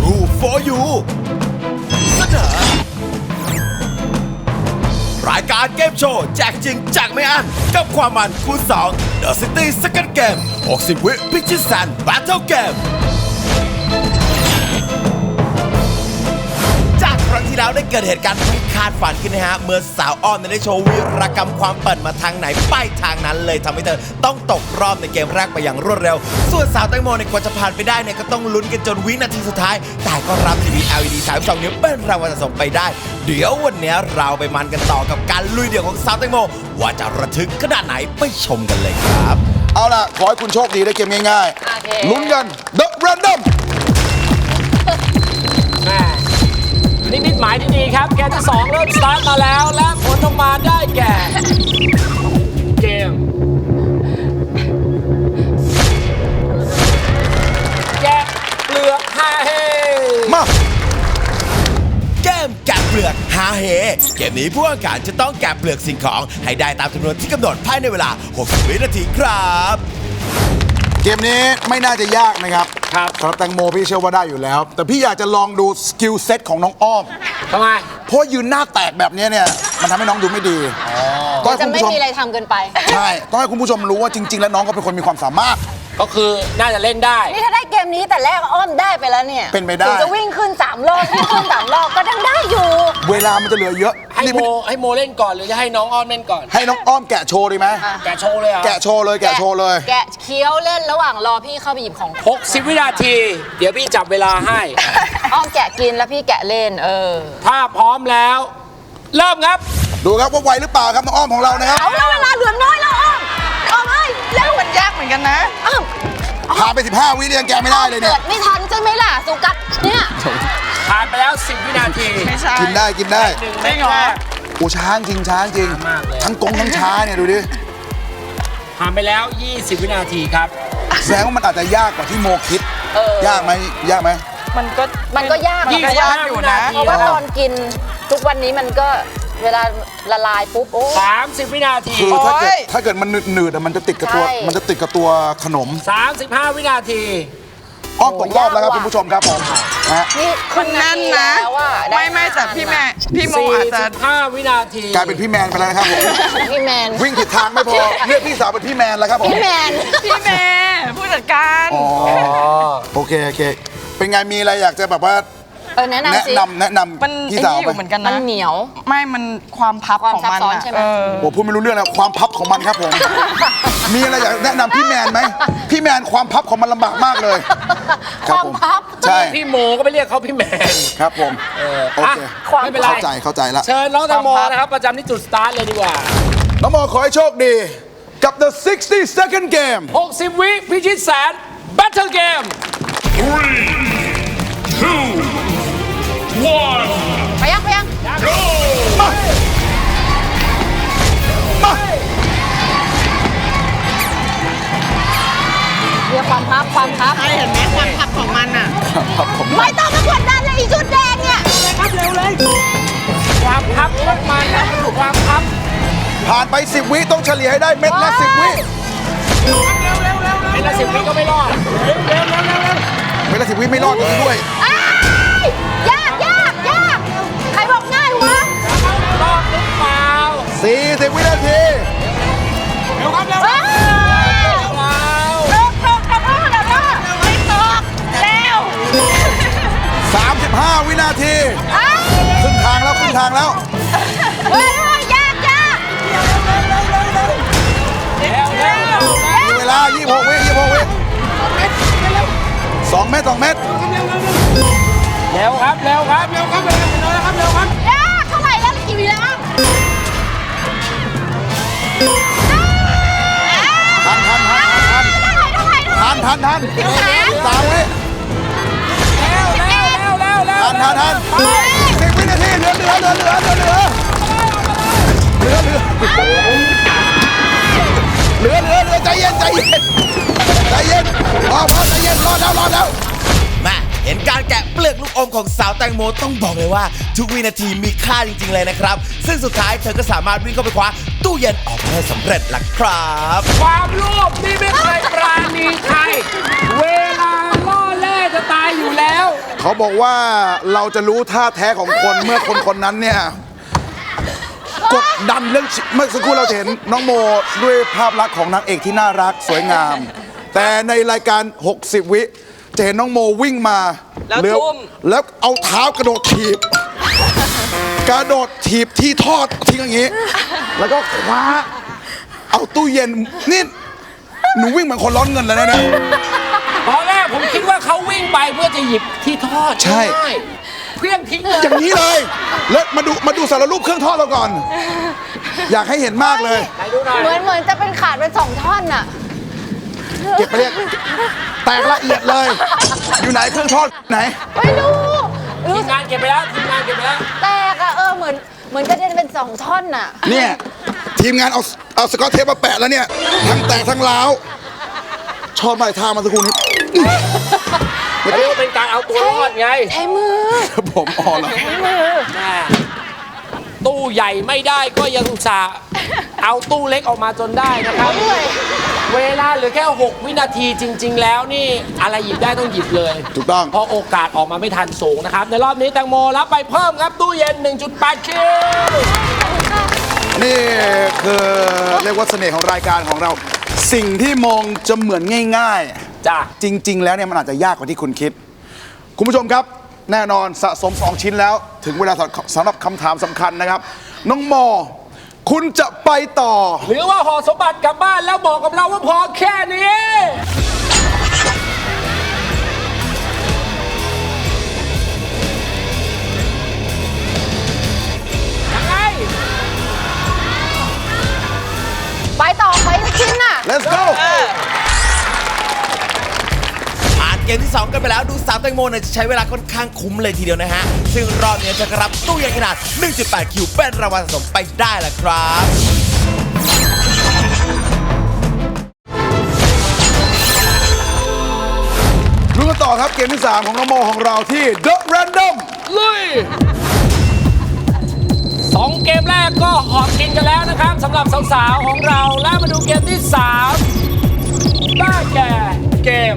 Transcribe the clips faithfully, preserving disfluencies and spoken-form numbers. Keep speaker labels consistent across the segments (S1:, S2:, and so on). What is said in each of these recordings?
S1: True for You เสนอรายการเกมโชว์แจกจริงแจกไม่อั้นกับความมันคูณสอง The City Second Game หกสิบ วิพิชิตแสน Battle Game จากครั้งที่แล้วได้เกิดเหตุการณ์ที่คาดฝันขึ้นนะฮะเมื่อสาวอ้อมได้โชว์วีรกรรมความเปิดมาทางไหนไปทางนั้นเลยทำให้เธอต้องตกรอบในเกมแรกไปอย่างรวดเร็วส่วนสาวแตงโมในกว่าจะผ่านไปได้เนี่ยก็ต้องลุ้นกันจนวินาทีสุดท้ายแต่ก็รับทีวี แอล อี ดี สามสิบสอง นิ้วเป็นรางวัลสะสมไปได้เดี๋ยววันนี้เราไปมันกันต่อกับการลุยเดี่ยวของสาวแตงโมว่าจะระทึกขนาดไหนไปชมกันเลยครับ
S2: เอาล่ะขอให้คุณโชคดีได้เกมง่ายๆลุ้นกัน The Random
S3: นิมิตหมายที่ดีครับเกมที่สองเริ่มสตาร์ทมาแล้วและผลออกมาได้แก่เกมแกะเปลือกฮาเฮ
S2: มา
S1: เกมแกะเปลือกฮาเฮเกมนี้ผู้แข่งขันจะต้องแกะเปลือกสิ่งของให้ได้ตามจำนวนที่กำหนดภายในเวลาหกสิบวินาทีครับ
S2: เกมนี้ไม่น่าจะยากนะครับ
S3: ครับ
S2: สำหรับแตงโมพี่เชื่อว่าได้อยู่แล้วแต่พี่อยากจะลองดูสกิลเซ็ตของน้องอ้อม
S3: ทำไม
S2: เพราะยืนหน้าแตกแบบนี้เนี่ยมันทำให้น้องดูไม่ดี
S4: ก็จะไม่มีอะไรทำเกินไป
S2: ใช่ต้องให้คุณผู้ชมรู้ว่าจริงๆแล้วน้องก็เป็นคนมีความสามารถ
S3: ก็คือน่าจะเล่นได้
S4: นี่ถ้าได้เกมนี้แต่แรกอ้อมได้ไปแล้วเนี่ย
S2: เป็นไปได้
S4: ถึงจะวิ่งขึ้นสามรอบวิ่งขึ้นสามรอบก็ยังได้อยู่
S2: เวลามันจะเหลือเยอะ
S3: ให้โมให้โมเล่นก่อนหรือจะให้น้องอ้อมเล่นก่อน
S2: ให้น้องอ้อมแกะโชว์ดีไหม
S3: แกะโชว์เลยอ่ะ
S2: แกะโชว์เลยแกะโชว์เลย
S4: แกะเคี้ยวเล่นระหว่างรอพี่เข้าไปหยิบของ
S3: หกสิบวินาทีเดี๋ยวพี่จับเวลาให้
S4: อ้อมแกะกินแล้วพี่แกะเล่นเออ
S3: ถ้าพร้อมแล้วเริ่มครับ
S2: ดูครับว่าไวหรือเปล่าครับน้องอ้อมของเรานะครับ
S4: เอาแล้วเวลาเหลือน้อยแล้วอ้อมอ้อมเอ้ยแล้ว
S5: มันยากเหมือนกันนะ
S4: อ้อม
S2: ผ่านไปสิบห้าวิยังแกไม่ได้เลยเนี่ย
S4: เกิดไม่ทันใช่ไหมล่ะสุกัดเนี่ย
S3: ผ่านไปแล้วสิบวินาที
S2: กินได้กินได้
S3: หนึ่งไม่งอ
S2: โอ้ช้างจริงช้างจริงทั้งกงทั้งช้าเนี่ยดูดิ
S3: ผ่านไปแล้วยี่สิบวินาทีครับ
S2: แสดงว่ามันอาจจะยากกว่าที่โมคิดยากไหมยากไหม
S5: มันก็
S4: มันก็ยาก
S5: มันก็ยากอยู่นะ
S4: เพราะว่าตอนกินทุกวันนี้มันก็เวลาละลายปุ๊บโอ้
S3: สามสิบวินาที
S2: คือถ้าเกิดถ้าเกิดมันหนืดๆมันจะติดกับตัวมันจะติดกับตัวขนม
S3: สามสิบห้าวินาที
S2: อ้อมตกรอบแล้วครับคุณผู้ชมครับผม
S4: นี่
S5: คุณนั่นนะไม่ไม่แต่พี่แม่พี่โมอาจจะ
S3: ห้าวินาที
S2: กลายเป็นพี่แมนไปแล้วครับผม
S4: พี่แมน
S2: วิ่งผิดทางไม่พอเรียกพี่สาวเป็นพี่แมนแล้วครับผม
S4: พี่แมน
S5: พี่แมนผู้จัดการ
S2: อ๋อโอเคโอเคเป็นไงมีอะไรอยากจะแบบว่า
S4: เออแนะนำ
S2: แนะนำแนะนำ
S5: มันพี่สาวเหมือนกันนะ
S4: มันเหนียว
S5: ไม่มันความพับของมัน
S4: ใช่ไหม
S2: โอ้พูดไม่รู้เรื่องนะความพับของมันครับผมมีอะไรอยากแนะนำพี่แมนไหมพี่แมนความพับของมันลำบากมากเลย
S4: ความพับ
S2: ใช่
S3: พี่โมก็ไปเรียกเขาพี่แมน
S2: ครับผมโอเค
S3: ไม่เป็นไร
S2: เข้าใจเข้าใจแล้ว
S3: เชิญน้องแตงโมนะครับประจำที่จุดสตาร์ทเลยดีกว่า
S2: น้องโมขอให้โชคดีกับ The sixty second game
S3: หกสิบวิพิชิตแสน Battle Game
S6: three two one
S4: ไปยังไปยัง
S6: go
S2: มามา
S4: เรียกความพับความพับ
S5: ใช่เห็นไหมความพับของมันอ่ะ
S4: ไม่ต้องมากดดันเลยอีชุดแดงเนี่ย
S3: ครับเร็วเลยความพับของมันนะความพับ
S2: ผ่านไปสิบวิต้องเฉลี่ยให้ได้เม็ดละสิบวิ
S3: เร็วเร็วเร็วเม็ดละสิบวิก็ไม่รอดเร็วเร็วเร็วเร็ว
S2: เม็ดละสิบวิไม่รอดด้วย
S4: ยากยากยากใครบอกง่ายวะ
S3: รอดหรือเปล่า
S2: สี่สิบวินาที
S3: เร็วครับเร็วเร็ว
S4: ตกตกตกตกตกไม่ตกเร็ว
S2: สามสิบห้าวินาทีครึ่งทางแล้วครึ่งทางแล้ว
S4: เฮ้ยยากยาก
S2: มีเวลายี่สิบหกวิยี่สิบหกวิสองเมตรสองเมตร
S3: เร็วครับเร็วครับเร็วครับเร็วเร็วครับเร็วครับ
S4: ยากเท่าไหร่แล้วกี่วิแล้ว
S2: ทันทันทันทันทันทันทันสามวิ
S3: เร็วเร็วเร็วเร็วเร็ว
S2: ทันทันทันสิบวินาทีเหลือเหลือเหลือเหลือเหลือเหลือเหลือเหลือเหลือเหลือเหลือเหลือใจเย็นใจเย็นใจเย็นพอพอใจเย็นรอแล้วรอแล้ว
S1: มาเห็นการแกะเปลือกลูกอมของสาวแตงโมต้องบอกเลยว่าทุกวินาทีมีค่าจริงๆเลยนะครับซึ่งสุดท้ายเธอก็สามารถวิ่งเข้าไปคว้าตู้เย็นออกมาได้สำเร็จล่ะครับ
S3: ความโลภนี่ไม่เคยปราณีใครเวลาล่อแร่จะตายอยู่แล้ว
S2: เขาบอกว่าเราจะรู้ท่าแท้ของคนเมื่อคนคนนั้นเนี่ยกดดันเรื่องเมื่อสักครู่เราจะเห็นน้องโมด้วยภาพลักษณ์ของนางเอกที่น่ารักสวยงาม แต่ในรายการหกสิบวิจะเห็นน้องโมวิ่งมา
S5: แล้ว
S2: เย
S5: ทุ่ม
S2: แล้วเอาเท้ากระโดดถีบ กระโดดถีบที่ทอดทิ้งอย่างนี้ แล้วก็คว้าเอาตู้เย็นนี่หนูวิ่งเหมือนคนร้อนเงินเลยนะเนี่ย
S3: ตอนแรกผมคิดว่าเขาวิ่งไปเพื่อจะหยิบที่ทอด
S2: ใช่
S3: ง่ายๆเพี้ยงทิ้งเลย
S2: อย่างนี้เลย แล้วมาดูมาดูสารรูปเครื่องทอดเราก่อน อยากให้เห็นมากเลย
S3: ไหนดูหน่อย
S4: เหมือนเหมือนจะเป็นขาดเป็นสองท่อนน่ะ
S2: เก็บไปเรียกแตกละเอียดเลย อยู่ไหนเครื่องทอดไหน
S4: ไม่รู้
S3: ที
S4: รู้
S3: มงานเก็บไปแล้วทีมงานเก็บไปแล้ว
S4: แตกอะเออเหมือนเหมือนกระเด็นเป็นสองท่อนน่ะ
S2: เนี่ย ทีมงานเอาเอาสกอตเทปมาแปะแล้วเนี่ย ทั้งแตกทั้งร้าว ชอบมากท่ามาสักครู่นี้
S3: เรียกว่าเป็นการเอาตัวรอดไง
S4: ใช้มือ
S2: ครับผมอ๋อเหรอ
S4: ใช้มือ
S3: แม่ตู้ใหญ่ไม่ได้ก็ยังอุตส่าห์เอาตู้เล็กออกมาจนได้นะครับ
S4: เหนื่อย
S3: เวลาเหลือแค่ หก วินาทีจริง ๆ แล้วนี่อะไรหยิบได้ต้องหยิบเลย
S2: ถูกต้อง
S3: เพราะโอกาสออกมาไม่ทันสูงนะครับ ในรอบนี้แตงโมรับไปเพิ่มครับตู้เย็น หนึ่งจุดแปด คิว
S2: นี่คือเรียกว่าเสน่ห์ของรายการของเรา สิ่งที่มองจะเหมือนง่าย
S3: จ้ะ
S2: ๆ จริง ๆ แล้วเนี่ยมันอาจจะยากกว่าที่คุณคิด คุณผู้ชมครับ แน่นอนสะสม สอง ชิ้นแล้ว ถึงเวลาสำหรับคำถามสำคัญนะครับ น้องโมคุณจะไปต่อ
S3: หรือว่าห่อสมบัติกลับบ้านแล้วบอกกับเราว่าพอแค่นี้ ยังไง
S4: ไปต่อไปชิ้นน่ะ
S2: let's go
S1: ผ่านเกมที่สองกันไปแล้วดูสาวแตงโมเนี่ยจะใช้เวลาค่อนข้างคุ้มเลยทีเดียวนะฮะ ซึ่งรอบนี้จะรับตู้เย็นขนาด หนึ่งจุดแปด คิวเป็นรางวัลสะสมไปได้ละครับ
S2: รู้กันต่อครับเกมที่ สาม ของน้องโมของเราที่ The Random
S3: ลุยสองเกมแรกก็หอบกินกันแล้วนะครับสำหรับสาวๆของเรา แล้วมาดูเกมที่สามได้แก่เกม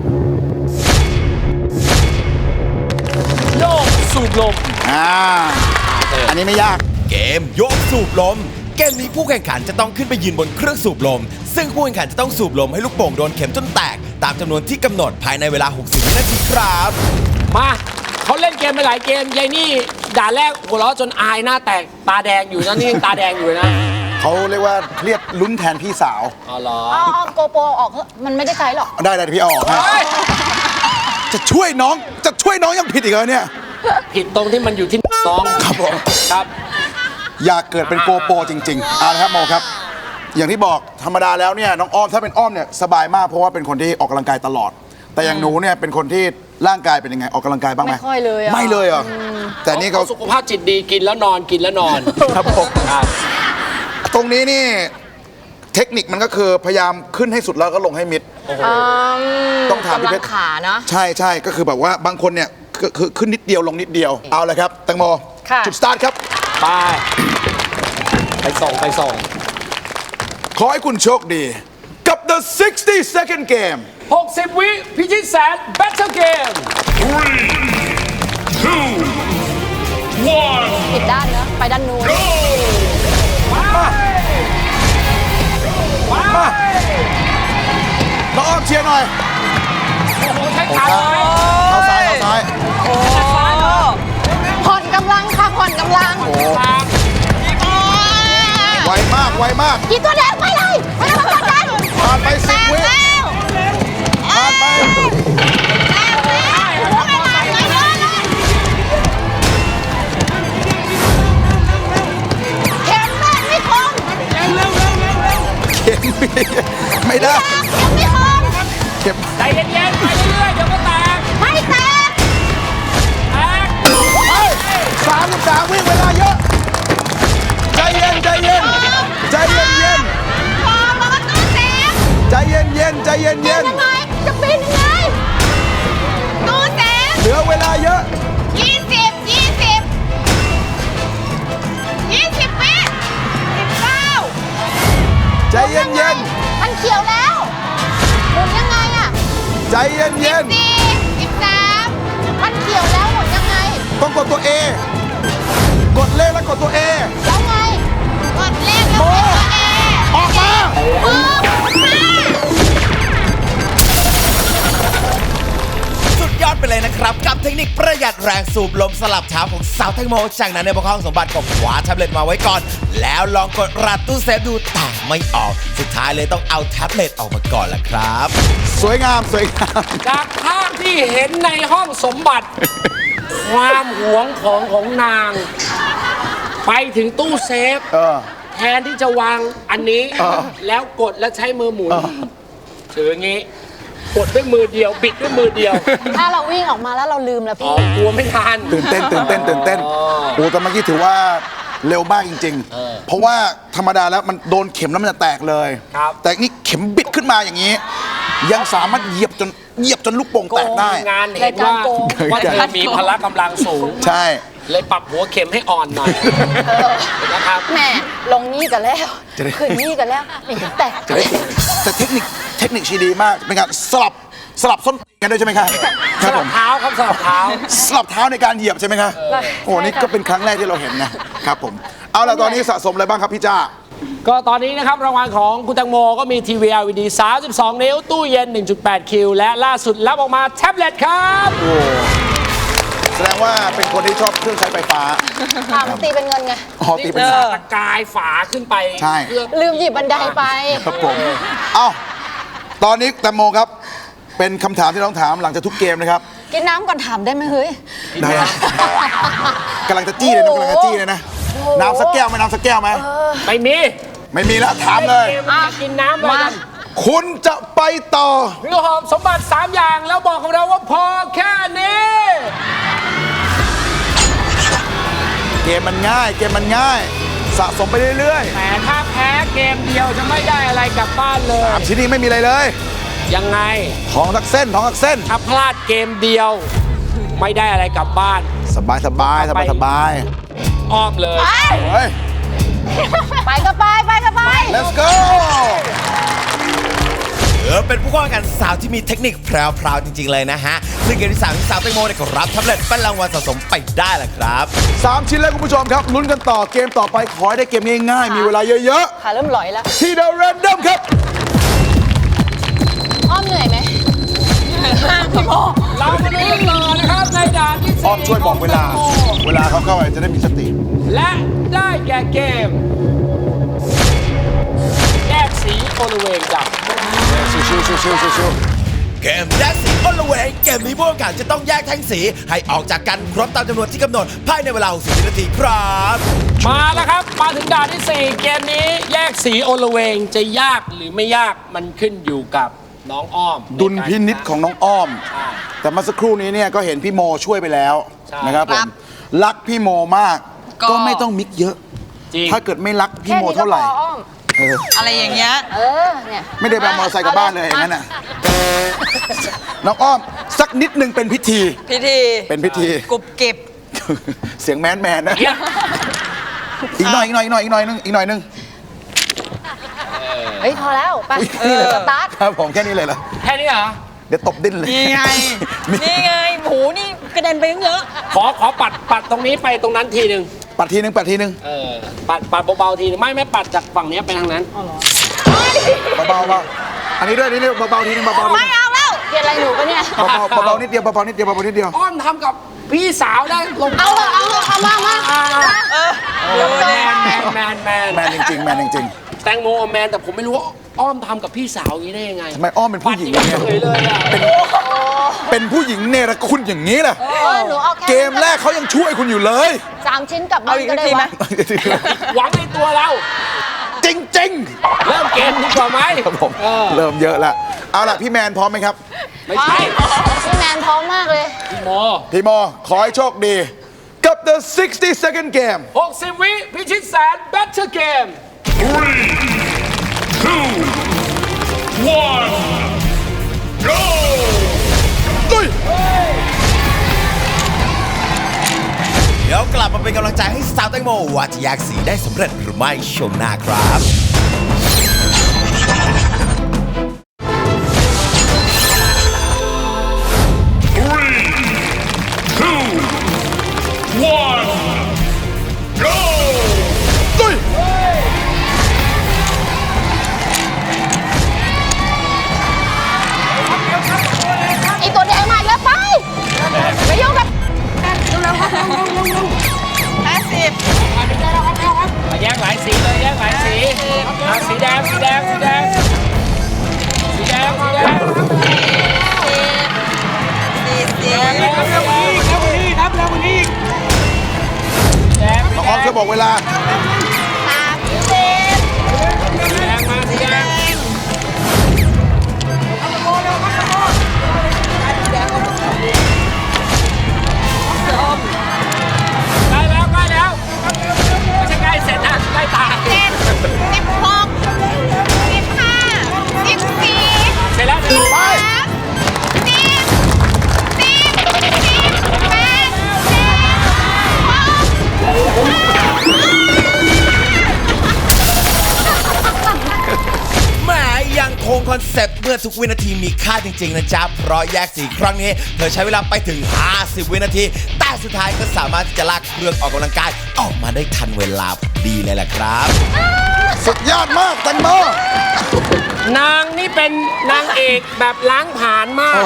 S3: โยกสูบลม
S2: อ่า อันนี้ไม่ยาก
S1: เกมโยกสูบลม เกมนี้ผู้แข่งขันจะต้องขึ้นไปยืนบนเครื่องสูบลม ซึ่งผู้แข่งขันจะต้องสูบลมให้ลูกโป่งโดนเข็มจนแตก ตามจำนวนที่กำหนดภายในเวลา หกสิบ วินาทีครับ
S3: มาเขาเล่นเกมไปหลายเกมยายนี่ด่านแรกหัวเราะจนอายหน้าแตกตาแดงอยู่นะนี่ยังตาแดงอยู่เลยนะ
S2: เขาเรียกว่าเครียดลุ้นแทนพี่สาว
S3: อ๋อเหรอ
S4: เอาเอาโกโปรออกเถอะมันไม่ได้ใช้หรอก
S2: ได้ได้พี่เอาออกให้
S3: เฮ้ย
S2: จะช่วยน้องจะช่วยน้องยังผิดอีกเหรอเนี่ย
S3: ผิดตรงที่มันอยู่ที่น้อง
S2: ครับผม
S3: ครับ
S2: อยากเกิดเป็นโกโปรจริงๆเอาละครับโมครับ อย่างที่บอกธรรมดาแล้วเนี่ยน้องอ้อมถ้าเป็นอ้อมเนี่ยสบายมากเพราะว่าเป็นคนที่ออกกำลังกายตลอด แต่อย่างหนูเนี่ยเป็นคนที่ร่างกายเป็นยังไงออกกำลังกายบ้างไหม
S4: ไม่ค่อยเลยอะ
S2: ไม่เลยเหรอแต่นี่เขา
S3: สุขภาพจิตดีกินแล้วนอนกินแล้วนอน
S2: ครับผม
S3: ครับ
S2: ตรงนี้นี่เทคนิคมันก็คือพยายามขึ้นให้สุดแล้วก็ลงให้มิด ต้องถามพี่
S4: กำ
S2: เพ
S4: ลั
S2: ช
S4: ง
S2: ร
S4: ขานะ
S2: ใช่ใช่ก็คือแบบว่าบางคนเนี่ยคือคือขึ้นนิดเดียวลงนิดเดียวเอาเลยครับแตงโม
S4: ค่ะ
S2: จุดสตาร์ทครับ
S3: ไป ไปส่งไปส่ง
S2: ขอให้คุณโชคดีกับ the sixty second game
S3: หกสิบ วิพิชิตแสน Battle Game
S6: Three, two, one,
S4: ผิดด้านเนอะไปด้านนู้น
S6: go!
S3: มา
S2: น้องอ้อมเชียร์หน่อย
S3: โอ้โหใช้ขาเลย
S2: เข้าซ้ายเข้าซ้าย
S4: ผ่อนกำลังค่ะผ่อนกำลัง
S2: ไวมากไวมาก
S4: กี่ตัวแดงไปเลยไปแล้วกดดัน
S2: ผ่านไปสิบวิผ่านไป
S4: เข็มแม่งไม่คม
S2: เข็มไม่ได้
S4: เข็มไม่คม
S2: เข็ม
S3: ใจเย็นๆ ไปเรื่อยๆ เดี๋ยวก็แตก
S4: ไม่แตก
S3: แตก
S2: สามสิบสามวิเวลาเยอะใจเย็นใจเย็นใจเย็นเย็น
S4: พอมันก็ตู้แตก
S2: ใจเย็นเย็นใจเย็นเย็น
S4: ยังไงจะปีนยังไงตู้แตก
S2: เหลือเวลาเยอะ
S4: ยี่สิบยี่สิบยี่สิบวิสิบเก้า
S2: ใจเย็นเย็น
S4: มันเขียวแล้วหมุนยังไงอะ
S2: ใจเย็นเย็น
S4: สี่สิบสามมันเขียว
S1: เลยนะครับกับเทคนิคประหยัดแรงสูบลมสลับเท้าของสาวแตงโมจากนั้นในบนห้องสมบัติก็คว้าแท็บเล็ตมาไว้ก่อนแล้วลองกดรัดตู้เซฟดูแต่ไม่ออกสุดท้ายเลยต้องเอาแท็บเล็ตออกมาก่อนละครับ
S2: สวยงามสวยงาม
S3: จากภาพที่เห็นในห้องสมบัติ ความหวงของของนาง ไปถึงตู้เซฟ
S2: เออ
S3: แทนที่จะวางอันนี้
S2: เออ
S3: แล้วกดแล้วใช้มือหมุน
S2: เออ
S3: ถืออย่างงี้ กดด้วยมือเดียว บิดด้วยมือเดียว
S4: ถ้าเราวิ่งออกมาแล้วเราลืมแล้ว
S3: อ๋อ
S4: พี่
S3: กลัวไม่ทัน
S2: ตื่นเต้นตื่นเต้นตื่นเต้น
S3: อ๋อ
S2: โอ้แต่เมื่อกี้ถือว่าเร็วมากจริง
S3: เออ
S2: ๆ เพราะว่าธรรมดาแล้วมันโดนเข็มแล้วมันจะแตกเลย
S3: ครับ
S2: แต่นี่เข็มบิดขึ้นมาอย่างนี้ ยังสามารถเหยียบจนเหยียบจนลูกโป่งแตกได้
S3: งานเห็นว่าว่าเธอมีพละกำลังสูง
S2: ใช่
S3: เลยปรับหัวเข็มให้อ่อนหน่อยนะครับ
S4: แหม่ลงนี่กันแล้วขึ้นนี่กันแล้วนี่แต่
S2: จะได้แต่เทคนิคเทคนิคชีดีมากเป็นการสลับสลับส้นกันด้วยใช่ไหมครับค
S3: ส
S2: รับผ
S3: ลับ
S2: ม
S3: เท้าครับสลับเท้า
S2: สลับเท้าในการเหยียบใช่ไหมครับโอ้นี่ก็เป็นครั้งแรกที่เราเห็นนะครับผมเอาล่ะตอนนี้สะสมอะไรบ้างครับพี่จ้า
S3: ก็ตอนนี้นะครับรางวัลของคุณแตงโมก็มีทีวี แอล อี ดี สามสิบสอง นิ้ว ตู้เย็น หนึ่งจุดแปด คิว และล่าสุดรับออกมาแท็บเล็ตครับ
S2: โอ้แสดงว่าเป็นคนที่ชอบเครื่องใช้ไฟฟ้า
S4: ถามตีเป็นเงินไง
S2: อ๋อตีเป็น
S3: ตะกายฝาขึ้นไป
S2: ใช่
S3: เพื่อ
S4: ลืมหยิบบันไดไป
S2: ครับผมเอ้าตอนนี้แตงโมครับ เป็นคำถามที่ต้องถามหลังจากทุกเกมนะครับ
S4: กินน้ำก่อนถามได้ไหมเฮ้ย
S2: ได้นะกำลังจะจี้เลยนะกำลังจะจี้เลยนะน้ำสักแก้วไหมน้ำสักแก้วไหม
S3: ไม่มี
S2: ไม่มีแล้วถามเลย
S3: กมจะกินน้ำเลยกัน
S2: คุณจะไปต่อ
S3: เรือหอบสมบัติ สาม อย่างแล้วบอกกับเราว่าพอแค่นี้
S2: เกมมันง่าย เกมมันง่าย สะสมไปเรื่อย
S3: แต่ถ้าแพ้เกมเดียวจะไม่ได้อะไรกลับบ้านเลย
S2: ๆสามชิ้นนี้ไม่มีอะไรเลย
S3: ยังไง
S2: ทองสักเส้นทองสักเส้น
S3: ถ้าพลาดเกมเดียว ไม่ได้อะไรกลับบ้าน
S2: สบายสบายสบายสบาย
S3: อ้อมเลย
S2: เฮ้ย
S4: ไปก็ไปไปก็ไป
S2: let's go
S1: เออเป็นผู้เข้าแข่งขันสาวที่มีเทคนิคแพรวๆจริงๆเลยนะฮะซึ่งเกมที่สามที่สาวแตงโมเนี่ยก็รับแท็บเล็ตเป็นรางวัลสะสมไปได้แหละครับ
S2: สามชิ้นแล้วคุณผู้ชมครับลุ้นกันต่อเกมต่อไปขอให้ได้เกมง่ายๆมีเวลาเยอะ
S4: ขาเริ่มหลอยแล้ว
S2: ๆที่เดอะแรนดอมครับ
S4: อ้อมเหนื่อยไหมพี่โม
S3: เรามาดูกันต่อนะครับในด่านที่สี่
S2: อ้อมช่วยบอกเวลา เวลาเขาเข้าไปจะได้มีสติ
S3: และได้แก่เกม แยกสีโอลเวงจับ
S2: ชิวชิวชิวชิวชิวชิว
S1: เกมแยกสีอ้นละเวงเกมนี้ผู้แข่งขันจะต้องแยกแท่งสีให้ออกจากกันครบตามจำนวนที่กำหนดภายในเวลาหกสิบวินาทีครับ
S3: มาแล้วครับ มาถึงด่านที่สี่เกมนี้แยกสีโอลเวงจะยากหรือไม่ยากมันขึ้นอยู่กับน้องอ้อม
S2: ดุลพินิษของน้องอ้อม
S3: ใช่
S2: แต่เมื่อสักครู่นี้เนี่ยก็เห็นพี่โมช่วยไปแล้ว
S3: ใช่
S2: นะครับผมรักพี่โมมาก
S5: ก็
S2: ก็ไม่ต้องมิกเยอะ
S3: จริง
S2: ถ้าเกิดไม่รักพี่
S4: แค่
S2: โม
S4: นี้ก็
S2: เท่าไห
S4: พ
S2: ร่
S4: ออ้อม
S2: เออ
S5: อะไรอย่างเงี้ย
S4: เออ เนี่ย
S2: ไม่ได้ไปเอามอเตอร์ไซค์กลับบ้านเลยอย่างนั้นน่ะน้องอ้อมสักนิดหนึ่งเป็นพิธี
S5: พิธี
S2: เป็นพิธี
S5: กรุบกริบ
S2: เสียงแมนแมนนะ
S3: เนี่ย
S2: อีกหน่อยอีกหน่อยอีกหน่อยอีกหน่อยนึงอีกหน่อยนึง
S4: เฮ้ย พอแล้ว ไปสตาร์ท
S2: ครับผมแค่นี้เลยเหรอ
S3: แค่นี้เหรอ
S2: เดี๋ยวตบดิ้นเลย
S5: นี่ไง นี่ไงโหนี่กระเด็นไปตั้งเยอะ
S3: ขอขอปัดปัดตรงนี้ไปตรงนั้นทีหนึ่ง
S2: ปัดทีนึงปัดทีนึง
S3: เออปัดปัดเบาๆทีหนึงไม่ไม่ปัดจากฝั่งนี้ไปทางนั้น
S2: เบาๆเบาอันนี้ด้วยนี่นี่เบาๆทีนึงเบาๆทีนึง
S4: ไม่เอาแล้วเกลียดอะไรหนูปะเนี่ย
S2: เบาๆเบาๆนิดเดียวเบาๆนิดเดียวเบาๆนิดเดียว
S3: อ้อมทำกับพี่สาวได้ลง
S4: เอาเลยเอาเลยเอามามา
S5: เออ
S3: แมนแมนแมนแมน
S2: แมนจริงๆแมนจริง
S3: แตงโมแมนแต่ผมไม่รู้ว่าอ้อมทำกับพี่สาวอย่างนี้ได้ยังไง
S2: ๆทำไมอ้อมเป็นผู้หญิง
S3: ปั
S2: อ
S3: ด
S2: ย่าง
S3: เฉ
S2: เงี้ย
S3: ยเลยอ่ะ
S2: เป็นผู้หญิงเนรคุณอย่างนี้ล่ะ
S4: เออหนูเอาแค่
S2: เกมแรกเขายังช่วยคุณอยู่เลย
S4: สามชิ้นกลับบ้า
S5: เอา
S4: น
S5: อีก
S4: ก็ได้
S5: ทีไหม
S4: วะ
S3: หวังในตัวเรา
S2: จริง
S3: เริ่มเกมดีกว่าไหม
S2: ๆครับผม
S3: เออ
S2: เริ่มเยอะละเอาล่ะพี่แมนพร้อมไหมครับ
S3: ไม่ใช่
S4: พี่แมนพร้อมมากเลย
S3: พี่โม
S2: พี่โมขอให้โชคดี กับ the sixty second game
S3: หกสิบวิพิชิตแสนแบทเทิลเกม
S6: Three, two, one, go!
S2: ตุ้ย
S1: เดี๋ยวกลับมาเป็นกำลังใจให้สาวแตงโมว่าจะแยกสีได้สำเร็จหรือไม่ช่วงหน้าครับ
S6: Three, two, one, go!
S2: ตุ้ย
S4: ไอตัวแดงมาอีกแล้วไป
S2: บอกเวลา
S4: สามสิบ
S3: สีแดงมาสีแดงใกล้แล้วใกล้แล้วไม่ใช่ใกล้เสร็จนะใกล้ตาย
S4: เจ็ดสิบหกสิบห้าสิบสี่
S3: เสร็จแล้วเสร็จแล้ว
S2: ไป
S4: สามสิบสิบสิบแปดสิบหก
S1: แหมยังคงคอนเซปต์เมื่อทุกวินาทีมีค่าจริง ๆ นะจ๊ะ เพราะแยกสีครั้งนี้ เธอใช้เวลาไปถึง ห้าสิบ วินาที แต่สุดท้ายก็สามารถที่จะลากเครื่องออกกำลังกาย ออกมาได้ทันเวลาพอดีเลยแหละครับ
S2: สุดยอดมากแตงโม
S3: นางนี่เป็นนางเอกแบบล้างผ่านมาก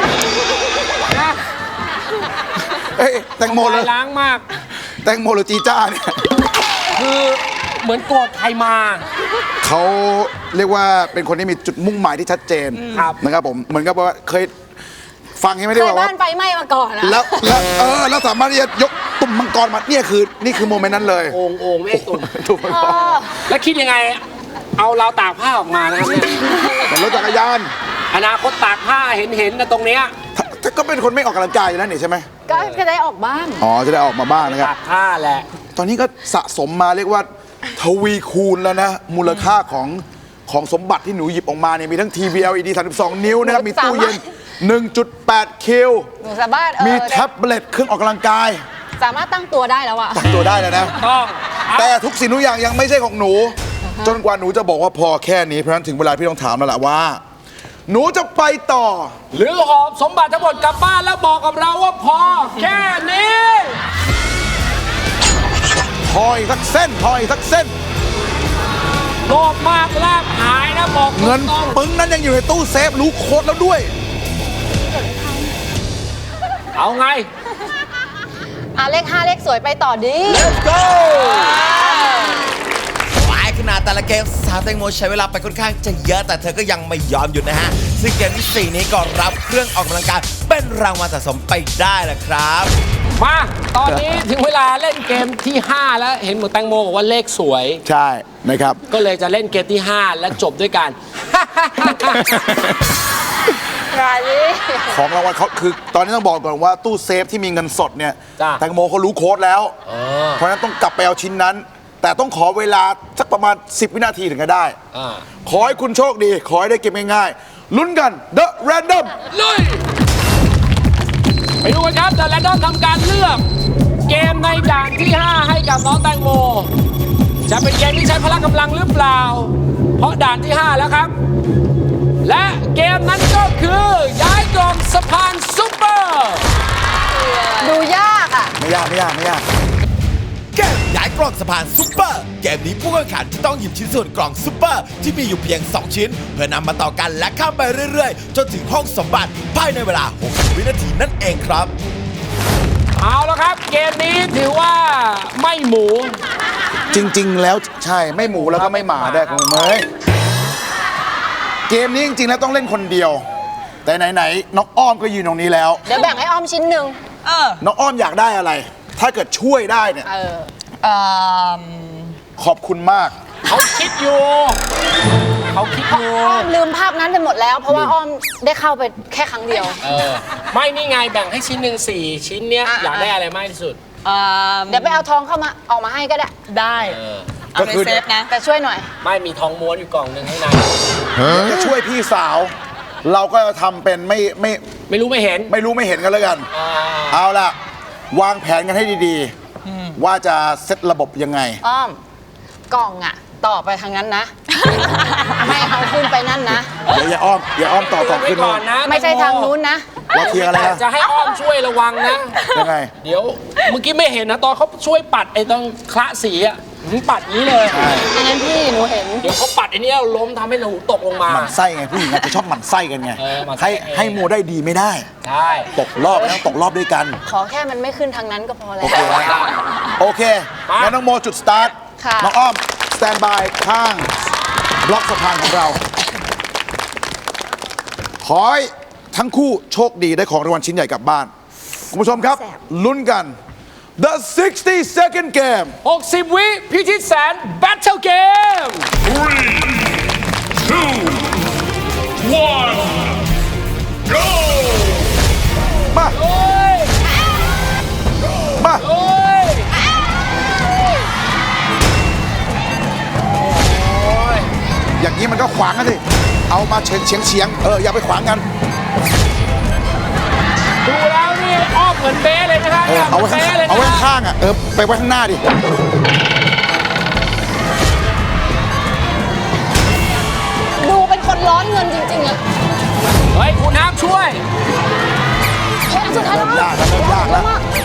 S2: เอ้ยแตงโมเลย
S3: ล้างมาก
S2: แตงโมหรือจีจ้าเนี่ย
S3: คือเหมือนโกรธใครมา
S2: เขาเรียกว่าเป็นคนที่มีจุดมุ่งหมายที่ชัดเจน
S3: ครับ
S2: นะครับผมเหมือนกับว่าเคยฟังใช่ไหม
S4: เค
S2: ที่
S4: ย
S2: บอกว่า
S4: บ้านไฟไหม้มาก่อนอะ
S2: แล้วแล้วเออแล้วสามารถที่จะยกตุ่มมังกรมาเนี่ยคือนี่คือโมเมนต์นั้นเลย
S3: โอ่งโอ่งไม่ให้ตุ่ม
S2: ตุ่มมังกร
S3: แล้วคิดยังไง เอาเราวตากผ้าออกมานะครับเนี่ย
S2: แต่รถจักรยาน
S3: อนาคตตากผ้าเห็นเห็นนะตรงเนี้ย
S2: ถ้าถ้าก็เป็นคนไม่ออกกำลังกายอยู่แล้วนี่ใช่ไหม
S4: ก็จะได้ออกบ้าง
S2: อ๋อจะได้ออกมาบ้างนะครับ
S3: ตากผ้าแหละ
S2: ตอนนี้ก็สะสมมาเรียกว่าทวีคูณแล้วนะ มูลค่าของของสมบัติที่หนูหยิบออกมาเนี่ยมีทั้งทีวี แอล อี ดี สามสิบสอง นิ้วนะครับ มีตู้เย็น หนึ่งจุดแปด คิว
S4: หนูสามารถเออ
S2: มีแท็บเล็ตเครื่องออกกำลังกาย
S4: สามารถตั้งตัวได้แล้วอะ
S2: ตั้งตัวได้แล้วนะ
S3: ต้อง
S2: แต่ทุกสิ่งทุกอย่างยังไม่ใช่ของหนู จนกว่าหนูจะบอกว่าพอแค่นี้เพราะฉะนั้นถึงเวลาพี่ต้องถามแล้วล่ะว่า หนูจะไปต่อ
S3: หรือหอบสมบัติทั้งหมดกลับบ้านแล้วบอกกับเราว่าพอแค่นี้
S2: พออีกสักเส้นพออีกสักเส้น
S3: โลภมากลาบหายนะบอก
S2: เงิน
S3: ตรง
S2: ปึ้งนั้นยังอยู่ในตู้เซฟรู้โค้ดแล้วด้วย
S3: ๆเอาไง
S4: อ่ะเลขห้าเลขสวยไปต่อดิ
S2: Let's go
S1: หลายขนาดแต่ละเกมสาวแตงโมใช้เวลาไปค่อนข้างจะเยอะแต่เธอก็ยังไม่ยอมหยุดนะฮะ ซึ่งเกมที่สี่นี้ก็รับเครื่องออกกำลังกายเป็นรางวัลสะสมไปได้แหละครับ
S3: มา ตอนนี้ถึงเวลาเล่นเกมที่ ห้า แล้วเห็นหมดแตงโมบอกว่าเลขสวย
S2: ใช่นะครับ
S3: ก็เลยจะเล่นเกมที่ ห้า และจบด้วยกัน
S4: รายนี้
S2: ของรางวัลเขาคือตอนนี้ต้องบอกก่อนว่าตู้เซฟที่มีเงินสดเนี่ย
S3: จ้ะ
S2: แตงโมเขารู้โค้ดแล้ว เพราะฉะนั้นต้องกลับไปเอาชิ้นนั้น แต่ต้องขอเวลาสักประมาณ สิบ วินาทีถึงจะได้
S3: อ่า
S2: ขอให้คุณโชคดี ขอให้ได้เกมง่ายๆลุ้นกัน The Random
S3: ลุยไปดูกันครับเดอะแรนดอมทำการเลือกเกมในด่านที่ ห้า ให้กับน้องแตงโม จะเป็นเกมที่ใช้พละกำลังหรือเปล่า เพราะด่านที่ ห้า แล้วครับ และเกมนั้นก็คือย้ายกล่องสะพานซุปเปอร์
S4: ดูยากอะ
S2: ไม่ยากไม่ยากไม่ยาก
S1: เกมย้ายกล่องสะพานซุปเปอร์ เกมนี้ผู้แข่งขันจะต้องหยิบชิ้นส่วนกล่องซุปเปอร์ที่มีอยู่เพียง สอง ชิ้น เพื่อนำมาต่อกันและข้ามไปเรื่อยๆ จนถึงห้องสมบัติภายในเวลา หกสิบ วินาทีนั่นเองครับ
S3: เอาแล้วครับ เกมนี้ถือว่าไม่หมู
S2: จริง ๆ แล้วใช่ไม่หมูแล้วก็ไม่หมาได้คุณเมยเกมนี้จริง ๆ แล้วต้องเล่นคนเดียว แต่ไหน ๆ น้องอ้อมก็ยืนตรงนี้แล้ว
S4: เดี๋ยวแบ่งให้อ้อมชิ้นหนึ่ง
S5: เออ
S2: น้องอ้อมอยากได้อะไร ถ้าเกิดช่วยได้เนี่ย
S4: เออ
S5: เอ่อ
S2: ขอบคุณมาก
S3: เขาคิดอยู่ เขาคิดอยู่
S4: อ้อมลืมภาพนั้นไปหมดแล้ว เพราะว่าอ้อมได้เข้าไปแค่ครั้งเดียว
S3: เออ ไม่นี่ไงแบ่งให้ชิ้นหนึ่งสี่ชิ้นเนี้ย
S4: อ่ะ
S3: อยากได้อะไรมากที่สุด
S5: เอ่อ
S4: เดี๋ยวไปเอาทองเข้ามาออกมาให้ก็ได้
S5: ได้
S3: เออ
S5: เอาในเซฟนะ
S4: แต่ช่วยหน่อย
S3: ไม่มีทองม้วนอยู่กล่องหนึ่งให้นาย
S2: จะช่วยพี่สาว เราก็จะทำเป็นไม่ไม่
S3: ไม่รู้ไม่เห็น
S2: ไม่รู้ไม่เห็นกันแล้วกัน
S3: อ่า
S2: เอาล่ะ วางแผนกันให้ดีๆ ว่าจะเซตระบบยังไง
S4: อ้อม กล่องอะต่อไปทางนั้นนะ ไม่เอาขึ้นไปนั่นนะ
S2: เดี๋ยวอย่าอ้อมอย่าอ้อมต่อต่อ
S3: ไว้
S2: ขึ้น
S3: ก่
S2: มา
S3: อนนะ
S4: ไม่ใช่ทางนู้นนะ
S2: เราเคลียร์กันแล้วนะ
S3: จะให้อ้อมช่วยระวังนะ
S2: ยังไง
S3: เดี๋ยวเมื่อกี้ไม่เห็นนะตอนเขาช่วยปัดไอ้ตรงคละสีอ่ะหืมปัดอย่างนี้เลย
S4: อันนั้นพี่หนูเห็น
S3: เดี๋ยวเขาปัดไอ้เนี้ยล้มทำให้หนูตกลงมา
S2: หมั่นไส้ไงผู้หญิงอาจจะชอบหมั่นไส้กันไง
S3: เออหมั่นไส้
S2: ให้ให้โมได้ดีไม่ได้
S3: ใช่
S2: ตกรอบแล้วตกรอบด้วยกัน
S4: ขอแค่มันไม่ขึ้นทางนั้นก็พอแล้
S2: โอ
S4: ว
S2: เคไหมโอเคงั้นน้องโมจุดสตาร์ท
S4: ค่ะ
S2: น้องอ้อมสแตนบายข้างบล็อกสะพานของเรา ขอให้ทั้งคู่โชคดีได้ของรางวัลชิ้นใหญ่กลับบ้าน คุณผู้ชมครับ ลุ้นกัน The sixty second game
S3: หกสิบ วิพิชิตแสน Battle Game
S6: Three, two, one, go!
S2: มา
S3: โอ้ย
S2: มา
S3: โอ้ยโอ้ย
S2: อย่างนี้มันก็ขวางกันสิเอามาเฉียงเฉียงเฉียงเอออย่าไปขวางกัน
S3: ดูแล้วนี่อ้อมเหมือนเบ้เลยนะครับ
S2: เออเอาไว้ข้าง
S3: หมืน
S2: เอาไว้
S3: บ๊ลยนะ
S2: ข้างอ่ะเออไปไว้ข้างหน้าดิ
S4: ดูเป็นคนร้อนเงินจริงๆอะ
S3: เฮ้ยคุณน้ำช่วย
S4: เฮ้ยอันสุดท้ายแล้ว
S2: เริ่มยากแล้วเริ่มยากแล้ว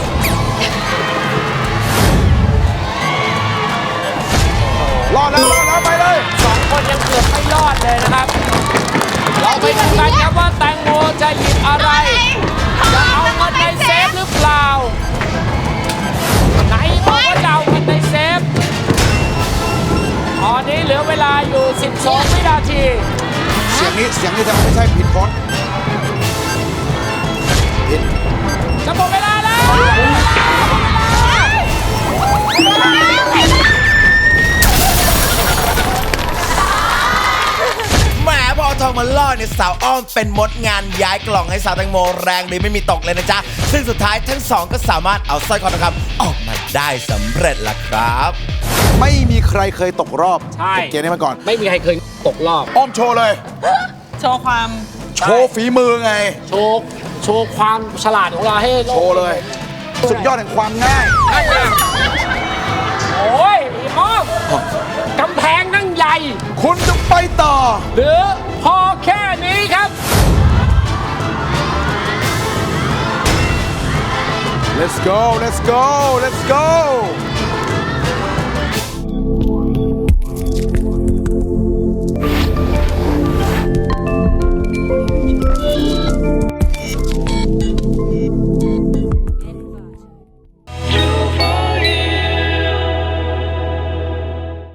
S2: รอดแล้วรอดแล้วไปเลย
S3: สองคนยังเกือบไม่รอดเลยนะครับ เราไปดูกันครับว่าแตงโมจะหยิบอะไร จะเอาเงินในเซฟหรือเปล่า ไหนบอกว่าจะเอาเงินในเซฟ ตอนนี้เหลือเวลาอยู่ สิบสอง วินาที
S2: เสียงนี้เสียงนี้จะไม่ใช่ผิดพจน์ผิด
S3: จะหมดเวลาแล้ว
S1: แหมพอเอาทองมาล่อเนี่ยสาวอ้อมเป็นมดงานย้ายกล่องให้สาวแตงโมแรงดีไม่มีตกเลยนะจ๊ะ ซึ่งสุดท้ายทั้งสองก็สามารถเอาสร้อยคอทองคำออกมาได้สำเร็จล่ะครับ
S2: ไม่มีใครเคยตกรอบ
S3: ใช่
S2: จากเกมนี้มาก่อน
S3: ไม่มีใครเคยตกรอบ
S2: อ้อมโชว์เลย
S5: โชว์ความ
S2: โชว์ฝีมือไง
S3: โชว์ โชว์ความฉลาดของเราให้โลก
S2: โชว์เลย สุดยอดแห่งความง่าย
S3: นั่นไงโอ้ยอีอ้อมกำแพงนั่งใหญ่
S2: คุณจะไปต่อ
S3: หรือพอแค่นี้ครับ
S2: let's go let's go let's go